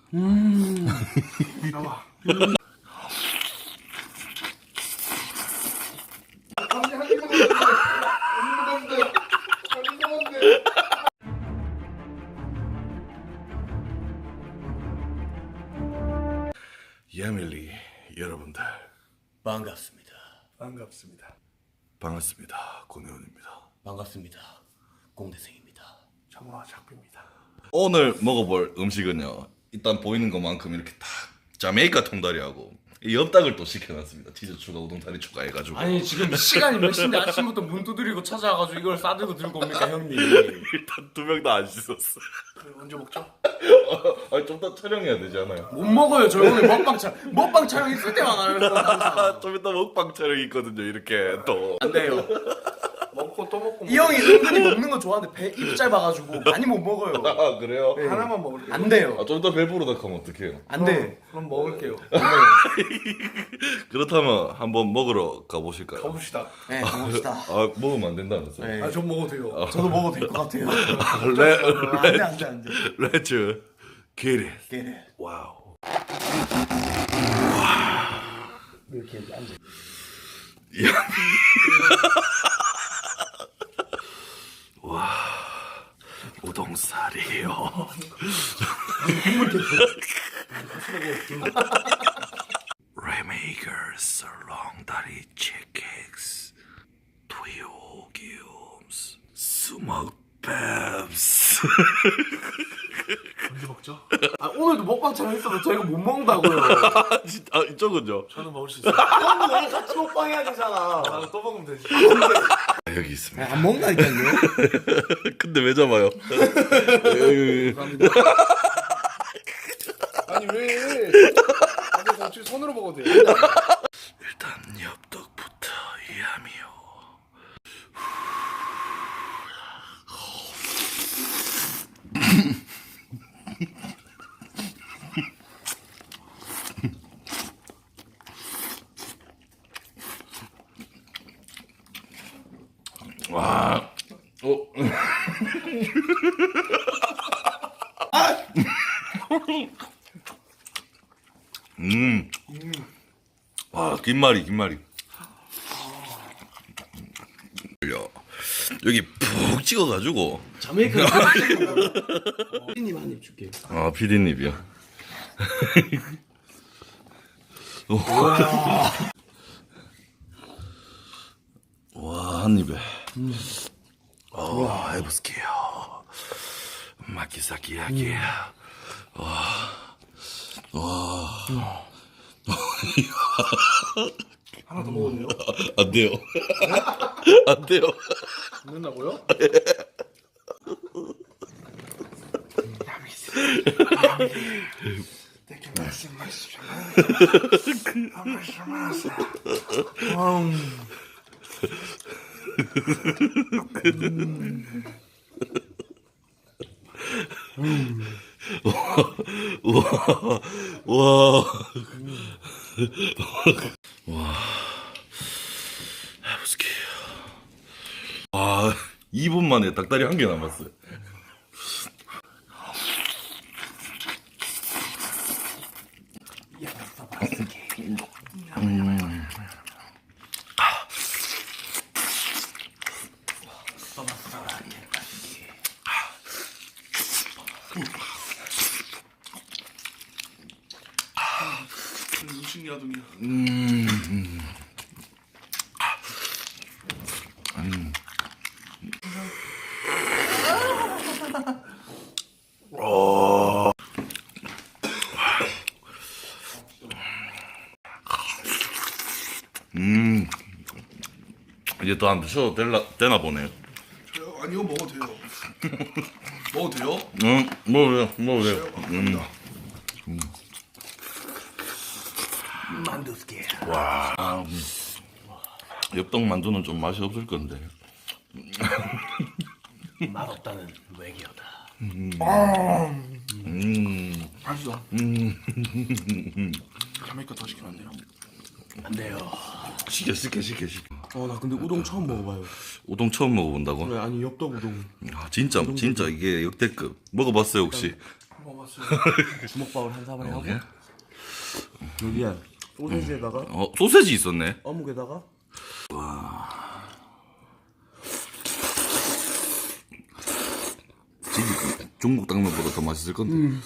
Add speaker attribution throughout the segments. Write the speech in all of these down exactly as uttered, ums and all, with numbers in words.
Speaker 1: 음. 나와. 음.
Speaker 2: 야밀리 여러분들
Speaker 3: 반갑습니다.
Speaker 1: 반갑습니다.
Speaker 2: 반갑습니다. 권혜원입니다.
Speaker 3: 반갑습니다. 공대생입니다.
Speaker 1: 정화 작비입니다.
Speaker 2: 오늘 먹어볼 음식은요, 일단 보이는 것만큼 이렇게 딱 자메이카 통다리하고 이 엽떡을 또 시켜놨습니다. 치즈 추가, 우동 다리 추가해가지고.
Speaker 3: 아니 지금 시간이 몇 시인데 아침부터 문 두드리고 찾아와가지고 이걸 싸들고 들고 옵니까 형님?
Speaker 2: 일단 두 명 다 안 씻었어.
Speaker 1: 언제 먹죠?
Speaker 2: 아, 좀 더 촬영해야 되지 않아요?
Speaker 3: 못 먹어요. 저 오늘 먹방 촬 먹방 촬영 있을 때만 하는 거 항상.
Speaker 2: 좀 이따 먹방 촬영 있거든요. 이렇게 또.
Speaker 3: 안 돼요.
Speaker 1: 먹고 또 먹고.
Speaker 3: 이 형이 은근히 먹는 거 좋아하는데 배 입 짧아가지고 많이 못 먹어요.
Speaker 2: 아, 그래요?
Speaker 1: 네. 하나만 먹을게요.
Speaker 3: 안 돼요.
Speaker 2: 아, 좀 더 배부르다 하면 어떡해요?
Speaker 3: 안 돼.
Speaker 1: 그럼 먹을게요.
Speaker 2: 그렇다면 한번 먹으러 가보실까요?
Speaker 1: 가봅시다.
Speaker 3: 네, 먹읍시다.
Speaker 2: 아, 먹으면 안 된다면서요?
Speaker 3: 네.
Speaker 1: 아, 전 먹어도 돼요.
Speaker 3: 저도 먹어도 될 것 같아요.
Speaker 2: 레,
Speaker 3: 안돼 안돼 안돼.
Speaker 2: Let's get it.
Speaker 3: 깨래.
Speaker 2: 와우.
Speaker 3: 이렇게 앉아.
Speaker 2: 우동살이요. 레메이커 설렁다리 치킨스 토요기움스 스모크밥스.
Speaker 1: 언제 먹죠?
Speaker 3: 아 오늘도 먹방 촬영 있어도 저희가 못 먹는다고요.
Speaker 2: 아, 진짜, 아, 이쪽은요?
Speaker 1: 저는 먹을 수 있어요.
Speaker 3: 형도 오늘 같이 먹방 해야 되잖아.
Speaker 1: 나는 또 먹으면 되지.
Speaker 2: 아, 여기 있습니다.
Speaker 3: 안 먹는다니까요.
Speaker 2: 근데 왜 잡아요?
Speaker 1: 아니 왜? 근데 어차피 손으로 먹어도 돼요.
Speaker 2: 일단 엽떡부터 이하미요. 와, 어. 음, 와, 김말이, 김말이. 여기 푹 찍어가지고.
Speaker 3: 자메이카 피디님 한 입 줄게요.
Speaker 2: 아, 피디님이요. 와, 한 입에. 와, 해보스게요. 마키사키야키. 와, 와.
Speaker 1: 하나 더 먹어도 돼요?
Speaker 2: 안 돼요. 안 돼요.
Speaker 1: 안 된다고요?
Speaker 2: 와, 와, 와, 해보스게요. 와, 이 분 만에 닭다리 한 개 남았어요.
Speaker 1: 무슨 야동이야?
Speaker 2: 음. 음. 어. 음. 이제 더 안 드셔도 될라, 되나 보네요.
Speaker 1: 저요? 아니 이거 먹어도 돼요. 먹어도 돼요?
Speaker 2: 응, 먹어요, 먹어요. 음.
Speaker 1: 음.
Speaker 3: 만두스게.
Speaker 2: 와, 음. 엽떡 만두는 좀 맛이 없을 건데.
Speaker 3: 맛없다는 외계어다.
Speaker 2: 음.
Speaker 1: 맛있어.
Speaker 2: 음.
Speaker 1: 자메이카 더 시키면 안 돼요?
Speaker 3: 안 돼요.
Speaker 2: 시켜, 시켜, 시켜, 시켜.
Speaker 3: 어 나 근데 우동 처음 먹어봐요.
Speaker 2: 우동 처음 먹어보다고?
Speaker 3: 왜 아니 엽떡 우동.
Speaker 2: 아, 진짜, 진짜 이게 역대급. 먹어봤어요, 혹시?
Speaker 1: 먹어봤어요.
Speaker 3: 주먹밥을 한 사발에 하고
Speaker 2: 오케이.
Speaker 3: 여기에 소세지에다가
Speaker 2: 어 소세지 있었네.
Speaker 3: 어묵에다가
Speaker 2: 진짜 중국 당면보다 더 맛있을 건데.
Speaker 3: 음.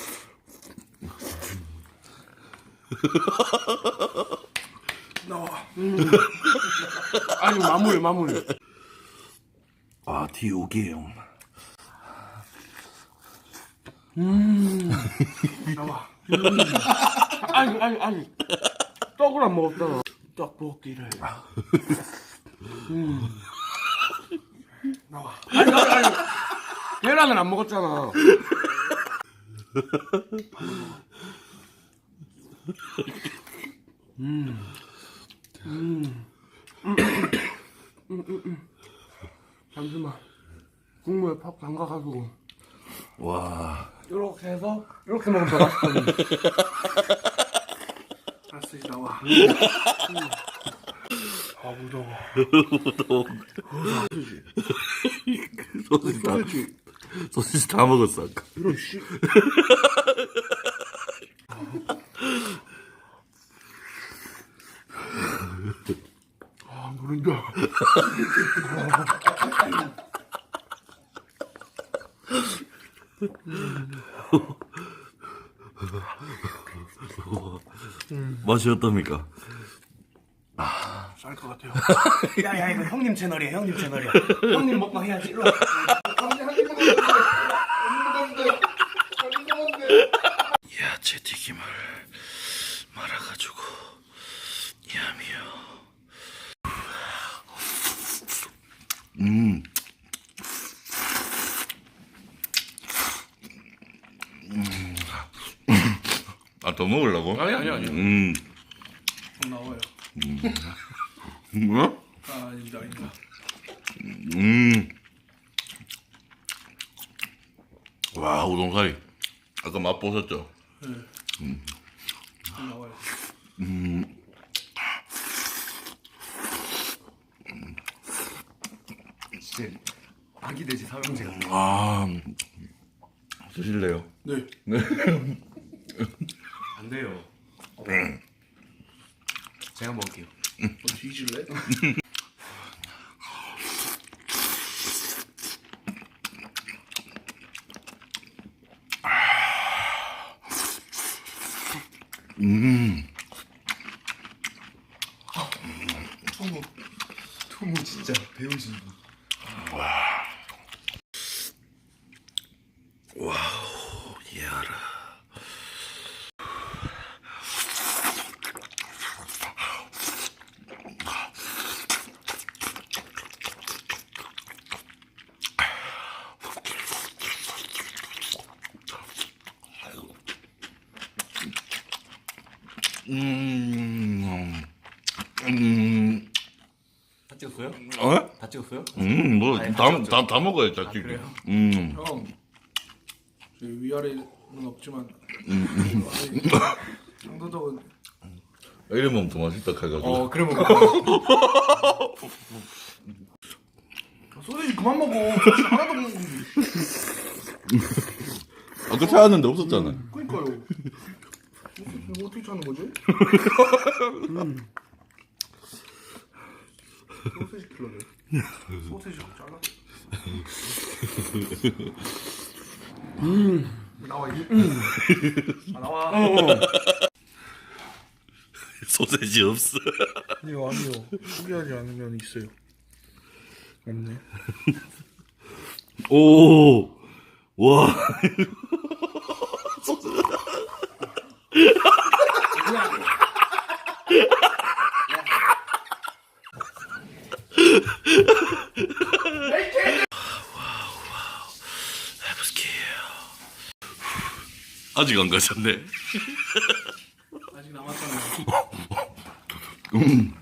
Speaker 1: 나와.
Speaker 3: 아니 마무리 마무리.
Speaker 2: 아 디오게용.
Speaker 1: 나와.
Speaker 3: 아니 아니 아니 떡을 안 먹었잖아. 떡볶이를. 음.
Speaker 1: 나와.
Speaker 3: 아니 아니 아니 계란을 안 먹었잖아. 음. 음. 음. 음. 음. 음. 잠시만. 국물에 팍 담가가지고
Speaker 2: 와.
Speaker 3: 이렇게 해서 이렇게 먹으면 더 맛있거든.
Speaker 1: 알았어 이제 나와. 아 무더워.
Speaker 2: 소시지 다
Speaker 1: 소세지.
Speaker 2: 소시지 다 먹었어 아까.
Speaker 1: 이런 씨. 아 모른다.
Speaker 2: 맛이 어떻습니까?
Speaker 1: 쌀 것 같아요.
Speaker 3: 야야 이거 형님 채널이야 형님 채널이야. 형님 먹방 해야지. 일로 와.
Speaker 2: 야채 튀김을 말아가지고 야미요. 음. 음. 아 더 먹으려고?
Speaker 3: 아니 아니 아니.
Speaker 2: 음.
Speaker 1: 좀 나와요.
Speaker 2: 뭐?
Speaker 1: 아 아닙니다 아닙니다.
Speaker 2: 음. 와 우동사리. 아까 맛 보셨죠?
Speaker 1: 네. 좀 나와요.
Speaker 3: 진짜 아기 돼지 삼형제가.
Speaker 2: 아 드실래요?
Speaker 1: 네.
Speaker 3: 안 돼요. 제가 먹을게요.
Speaker 1: 어, 뒤질래?
Speaker 2: 음.
Speaker 3: 투무 투무 진짜 배우신 분.
Speaker 2: 와우 예아라. 음. 음.
Speaker 3: 다 찍었어요?
Speaker 2: 어?
Speaker 3: 다 찍었어요?
Speaker 2: 음, 뭐,
Speaker 3: 아니,
Speaker 2: 다,
Speaker 3: 같이
Speaker 2: 다, 다 먹어야지, 다 찍
Speaker 3: 그래요?
Speaker 2: 음.
Speaker 1: 형. 저 위아래는 없지만. 장도덕은
Speaker 2: 이래 먹으면 더 맛있다, 해가지고.
Speaker 3: 어 그래 먹어.
Speaker 1: 소세지 그만 먹어. 소세지 하나도 못 먹는데.
Speaker 2: 아까 찾았는데 없었잖아.
Speaker 1: 그러니까요. 이거 어떻게 찾는 거지? 음. 소세지 킬러네. 소세지 좀 잘라. 음. 나와 이제. 음. 아, 나와.
Speaker 2: 소세지 없어.
Speaker 1: 아니요 아니요. 포기하지 않으면 있어요. 없네.
Speaker 2: 오, 와. 아직 안 가셨네.
Speaker 1: 아직 남았잖아요.
Speaker 2: 음.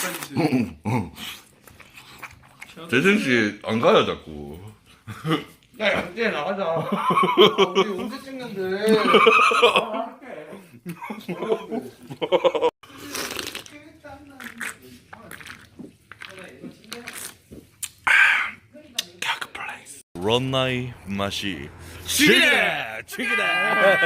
Speaker 1: 어디까지 있어요?
Speaker 2: 재생 씨 안 가요 자꾸.
Speaker 3: 야 양재 나가자. 아, 우리 언제 찍는데?
Speaker 2: 런나이 맛이
Speaker 3: 죽이래! 죽이래!